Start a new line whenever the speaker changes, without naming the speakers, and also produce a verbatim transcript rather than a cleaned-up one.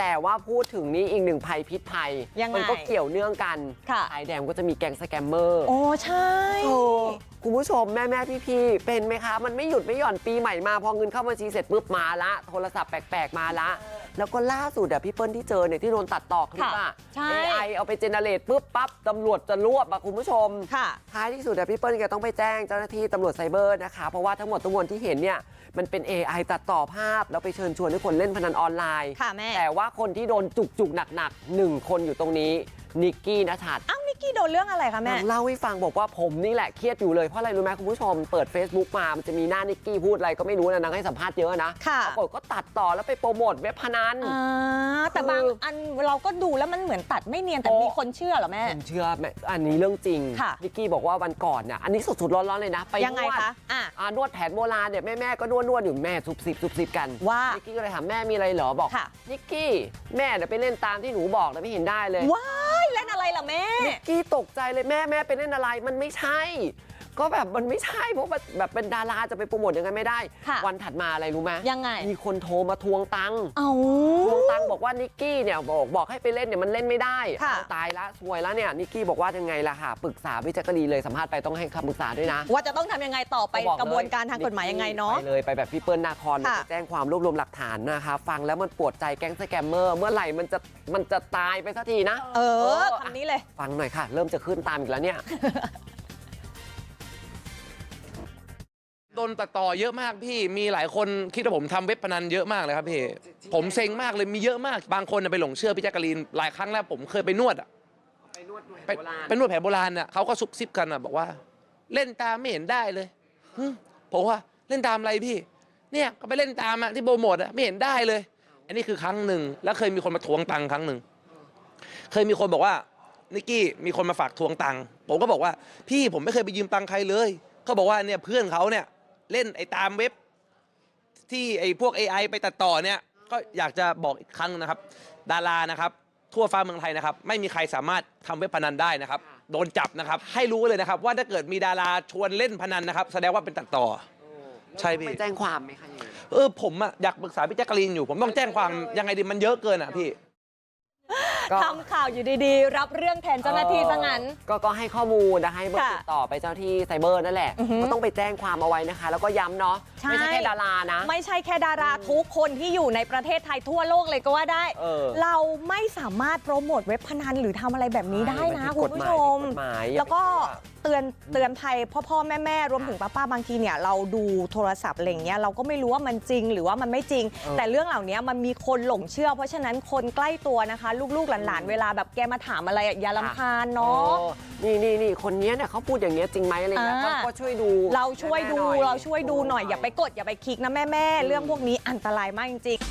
แต่ว่าพูดถึงนี่อีกหนึ่งภัยพิษภัยมันก็เกี่ยวเนื่องกันสายแดงก็จะมีแก๊งสแกมเมอร์
โอ้ใช่
คุณผู้ชมแม่แม่พี่ๆเป็นไหมคะมันไม่หยุดไม่หย่อนปีใหม่มาพอเงินเข้าบัญชีเสร็จปุ๊บมาละโทรศัพท์แปลกๆมาละแล้วก็ล่าสุดอะพี่เปิ้ลที่เจอเนี่ยที่โดนตัดต่อคลิปอะ เอ ไอ เอาไปเจเนเรตปุ๊บปั๊บตำรวจจะรวบอะคุณผู้ชมท้ายที่สุดอะพี่เปิ้ลแกต้องไปแจ้งเจ้าหน้าที่ตำรวจไซเบอร์นะคะเพราะว่าทั้งหมดทั้งมวลที่เห็นเนี่ยมันเป็น เอ ไอ ตัดต่อภาพแล้วไปเชิญชวนให้คนเล่นพนันออนไลน์แต่ว่าคนที่โดนจุกๆหนักๆหนึ่งคนอยู่ตรงนี้นิกกี้ณชัด
อ้าวนิกกี้โดนเรื่องอะไรคะแม่
เล่าให้ฟังบอกว่าผมนี่แหละเครียดอยู่เลยเพราะอะไรรู้ไหมคุณผู้ชมเปิด Facebook มามันจะมีหน้านิกกี้พูดอะไรก็ไม่รู้นะนางให้สัมภาษณ์เยอะนะปรากฏก็ตัดต่อแล้วไปโปรโมทเว็บพนัน
แต่บางอันเราก็ดูแล้วมันเหมือนตัดไม่เนียนแต่มีคนเชื่อเหรอแม่
คนเชื่อแม่อันนี้เรื่องจริงนิกกี้บอกว่าวันก่อนเนี่ยอันนี้สดๆร้อนๆเลยนะไปนวดนวดแผนโบราณเนี่ยแม่แม่ก็นวดนวดอยู่แม่ซุบซิบซุบซิบกัน
ว่า
นิกกี้ก็เลยถามแม่มีอะไรเหรอบอกนิกกี้แม่เดี๋ยวไปเล่นตามที่หนูบอกแล้วไม่เห็นได้เลย
ว้ายเล่นอะไรล่ะแม่
นิกกี้ตกใจเลยแม่แม่ไปเล่นอะไรมันไม่ใช่ก็แบบมันไม่ใช่เพราะแบบเป็นดาราจะไปโปรโมทยังไงไม่ได้วันถัดมาอะไรรู้ไหม
ยังไง
มีคนโทรมาทวงตังค์
เอา
ทวงตังค์บอกว่านิกกี้เนี่ยบอกบอกให้ไปเล่นเนี่ยมันเล่นไม่ได้ตายละซวยแล้วเนี่ยนิกกี้บอกว่ายังไงล่ะค่ะปรึกษาพี่แจ๊กกะลีเลยสัมภาษณ์ไปต้องให้คำปรึกษาด้วยนะ
ว่าจะต้องทำยังไงต่อไปกระบวนการทางกฎหมายยังไงเนาะ
ไปเลยไปแบบพี่เปิ้ลนาคอนไปแจ้งความรวบรวมหลักฐานนะคะฟังแล้วมันปวดใจแก๊งสแกมเมอร์เมื่อไหร่มันจะมันจะตายไปสักทีนะ
เออคำนี้เลย
ฟังหน่อยค่ะเริ่มจะขึ้นตามอีกแล้วเนี่ย
โดนตัดต่อเยอะมากพี่มีหลายคนคิดว่าผมทำเว็บพนันเยอะมากเลยครับพี่ผมเซ็งมากเลยมีเยอะมากบางคนไปหลงเชื่อพี่แจ๊กกะลีนหลายครั้งแล้วผมเคยไปนวดอ่ะ
ไปนวดแผนโบราณ
ไปนวดแผนโบราณอ่ะเขาก็ซุบซิบกันอ่ะบอกว่าเล่นตามไม่เห็นได้เลยผมว่าเล่นตามอะไรพี่เนี่ยก็ไปเล่นตามอ่ะที่โปรโมทอ่ะไม่เห็นได้เลยอันนี้คือครั้งหนึ่งแล้วเคยมีคนมาทวงตังค์ครั้งหนึ่งเคยมีคนบอกว่านิกกี้มีคนมาฝากทวงตังค์ผมก็บอกว่าพี่ผมไม่เคยไปยืมตังค์ใครเลยเขาบอกว่าเนี่ยเพื่อนเขาเนี่ยเล่นไอ้ตามเว็บที่ไอ้พวก เอ ไอ ไปตัดต่อเนี่ยก็อยากจะบอกอีกครั้งนะครับดารานะครับทั่วฟ้าเมืองไทยนะครับไม่มีใครสามารถทำเว็บพนันได้นะครับโดนจับนะครับให้รู้เลยนะครับว่าถ้าเกิดมีดาราชวนเล่นพนันนะครับแสดงว่าเป็นตัดต่อใช่พี่
ไปแจ้งความไหมคะ
เออผมอะอยากปรึกษาพี่แจ๊กกะลีนอยู่ผมต้องแจ้งความยังไงดีมันเยอะเกินอะพี่
ทำข่าวอยู่ดีๆรับเรื่องแทนเจ้าหน้าที่ซะงั้น
ก็ก็ให้ข้อมูลนะให้เบอร์ติดต่อไปเจ้าที่ไซเบอร์นั่นแหละก็ต้องไปแจ้งความเอาไว้นะคะแล้วก็ย้ำเนาะไม่ใช่แค่ดารานะ
ไม่ใช่แค่ดาราทุกคนที่อยู่ในประเทศไทยทั่วโลกเลยก็ว่าได้เราไม่สามารถโปรโมทเว็บพนันหรือทำอะไรแบบนี้ได้นะคุณผู้ชมแล้วก็เตือนเตือนภัยพ่อพ่อแม่แม่รวมถึงป้าป้าบางทีเนี่ยเราดูโทรศัพท์อะไรเงี้ยเราก็ไม่รู้ว่ามันจริงหรือว่ามันไม่จริงแต่เรื่องเหล่านี้มันมีคนหลงเชื่อเพราะฉะนั้นคนใกล้ตัวนะคะลูกๆหลานๆเวลาแบบแกมาถามอะไรอย่ารำคาญเนาะ
นี่นี่นี่คนนี้เนี่ยเขาพูดอย่างเงี้ยจริงไหมอะไรเงี้ยก็ช่วยดู
เราช่วยดูเราช่วยดูหน่อยอย่าไปกดอย่าไปคลิกนะแม่แม่เรื่องพวกนี้อันตรายมากจริง